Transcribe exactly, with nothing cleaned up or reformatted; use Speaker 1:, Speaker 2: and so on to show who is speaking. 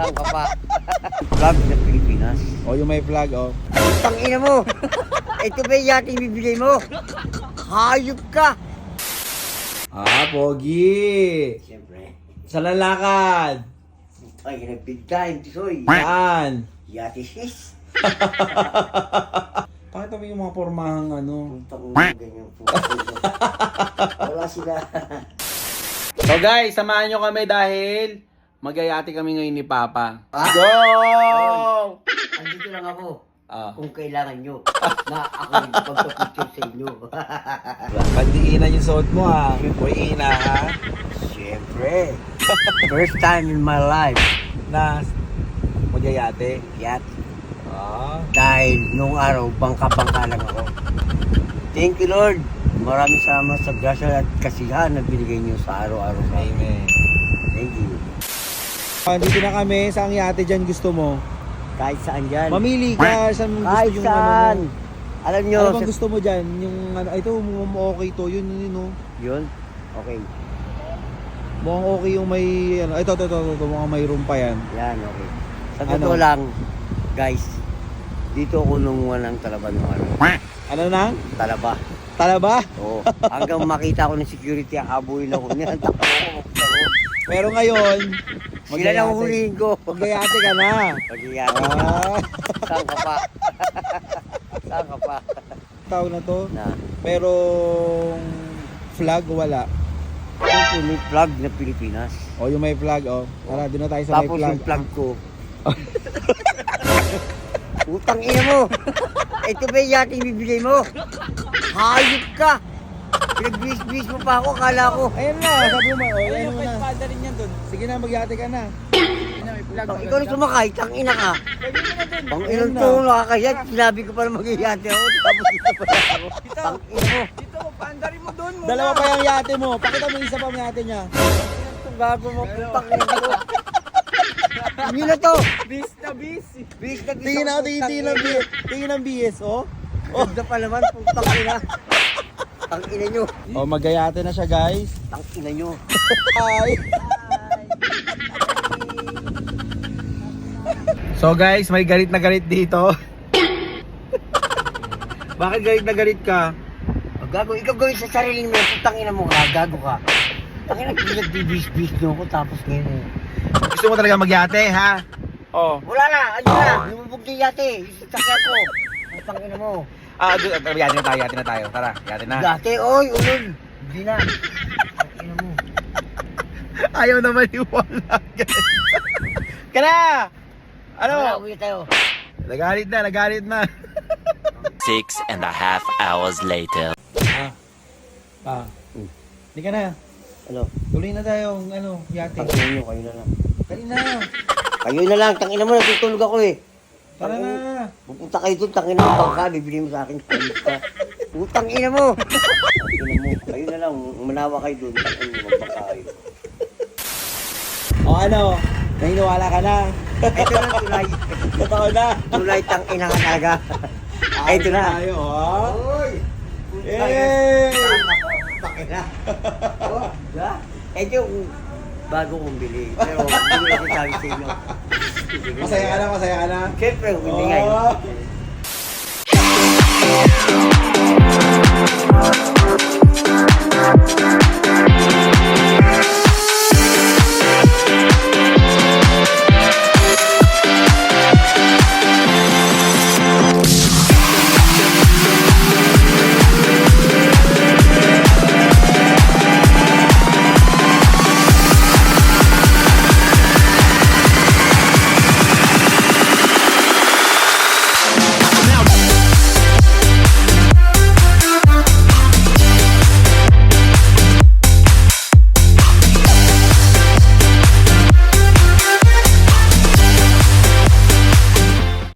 Speaker 1: Saan ka pa? Flag ng Pilipinas.
Speaker 2: O, yung may flag, o.
Speaker 1: Tangina mo! Ito ba yung yating bibigay mo? Hayop ka!
Speaker 2: Ah, pogi!
Speaker 1: Siyempre.
Speaker 2: Sa lalakad!
Speaker 1: Ay, nag-big time, tisoy.
Speaker 2: Saan?
Speaker 1: Yati sis.
Speaker 2: Pakita mo yung mga pormahang ano.
Speaker 1: Puntang ulo, ganyan po. Wala sila.
Speaker 2: So guys, samahan nyo kami dahil magayati kami ngayon ni Papa.
Speaker 1: Ah?
Speaker 2: Go!
Speaker 1: Andito lang ako.
Speaker 2: Ah.
Speaker 1: Kung kailangan nyo na ako yung pagpapicture sa inyo.
Speaker 2: Pandiinan yung suot mo ha. Uy, ina ha.
Speaker 1: Siyempre. First time in my life.
Speaker 2: Na magayate.
Speaker 1: Yat.
Speaker 2: Ah.
Speaker 1: Dahil nung araw, bangka-bangka lang ako. Thank you, Lord. Maraming salamat sa grasya at kasiyahan na binigay niyo sa araw-araw.
Speaker 2: Amen.
Speaker 1: Thank you.
Speaker 2: Dito na kami. Saan yate dyan gusto mo?
Speaker 1: Kahit saan dyan.
Speaker 2: Mamili ka. Saan mo gusto
Speaker 1: Kahit
Speaker 2: yung
Speaker 1: saan.
Speaker 2: ano mo?
Speaker 1: Alam nyo.
Speaker 2: Ano bang
Speaker 1: sa-
Speaker 2: gusto mo dyan? Yung ano, ito, mukhang okay to. Yun, yun, yun, oh.
Speaker 1: Yun? Okay.
Speaker 2: Mukhang okay yung may, ano, ito, ito, ito, ito, ito mukhang may room pa yan.
Speaker 1: Yan, okay. Sa
Speaker 2: Ano?
Speaker 1: totoo lang, guys, dito ako nunguha ng talaba ng ano.
Speaker 2: Ano nang?
Speaker 1: Talaba.
Speaker 2: Talaba?
Speaker 1: Oo. Hanggang makita ko ng security, habulin ako niya. Takbo ako.
Speaker 2: Pero ngayon,
Speaker 1: Sila lang hulihin ko.
Speaker 2: magayate ka na.
Speaker 1: Pag-iyati ka.
Speaker 2: Ah,
Speaker 1: Saan ka pa? Saan ka pa?
Speaker 2: tawag na to.
Speaker 1: Na.
Speaker 2: Merong flag, wala.
Speaker 1: Ito may flag na Pilipinas.
Speaker 2: O, yung may flag, o. Tara, doon na tayo sa may
Speaker 1: Tapos
Speaker 2: flag.
Speaker 1: yung flag ko. Utang ina mo! Ito ba yung yating bibigay mo? Hayop ka! Pinagbis-bis mo pa ako, kala ko.
Speaker 2: Ayun na, sabi mo, o, ayun mo na. rin yan doon. Sige na, magyate ka na.
Speaker 1: Ikaw, ikaw na sumakay, tang ina ka. Pang ilang to, nakakaya, sinabi ko pa na mag-iyate ako, tapos dito pa na ako. Tang ina mo.
Speaker 3: Dito, paandarin mo doon mo.
Speaker 2: Dalawa pa yung yate mo. Pakita mo yung isa pa yung yate niya.
Speaker 1: Itong gago mo, putang ina ko. Hindi na to.
Speaker 3: Bis na bis.
Speaker 1: Bis na bis
Speaker 2: Tingin
Speaker 1: ako,
Speaker 2: ako, tingin, tingin ng B S. Tingin ng B S, oh.
Speaker 1: Oh, na pa naman, putang ina. Tang ina nyo.
Speaker 2: Oh, magayate na siya, guys.
Speaker 1: Tang ina nyo.
Speaker 2: Hi. So guys, may galit na galit dito. Bakit galit na galit ka?
Speaker 1: Oh, gago, ikaw gawin sa sarili mo, putang ina mo ka, gago ka. Tang ina, pinagbibis-bis nyo ako, tapos ngayon. eh.
Speaker 2: Gusto mo talaga magyate, ha? Oh.
Speaker 1: Wala na, ayun na, lumubog din yate, yung sakya ko. Putang ina mo.
Speaker 2: Ah, doon, uh, yate na tayo, yate na tayo. Tara, yate na.
Speaker 1: Yate, oy, ulol. Hindi na. Tang ina mo.
Speaker 2: Ayaw na maniwala, guys. Kana! Ano?
Speaker 1: Wala, uwi tayo.
Speaker 2: Nagalit na, nagalit na.
Speaker 4: Six and a half hours later.
Speaker 2: Ah. Pa. Hindi ka na.
Speaker 1: Ano?
Speaker 2: Tuloy na tayo, ano, yate.
Speaker 1: Tang ina nyo, kayo na lang.
Speaker 2: Kali na.
Speaker 1: Kayo na lang, tang ina mo, natutulog ako eh.
Speaker 2: Tara na.
Speaker 1: Pupunta kayo doon, tang ina mo, bangka, bibili mo sa akin. Kayo ka. Putang ina mo. Tang ina mo, kayo na lang, manawa kayo doon, tang ina mo, magbangka kayo.
Speaker 2: O ano, naniniwala ka na.
Speaker 1: Ito na, tulay.
Speaker 2: Totoo na.
Speaker 1: Tulay, tang ina ka talaga. Ito na.
Speaker 2: Tayo, oh.
Speaker 1: Oy!
Speaker 2: Yay!
Speaker 1: Pakina. Oh, da? Ito yung bago kong bili. Pero hindi ko sabi sa inyo.
Speaker 2: Masaya ka na, masaya ka na.
Speaker 1: Siyempre, hindi nga yun.
Speaker 2: Oh.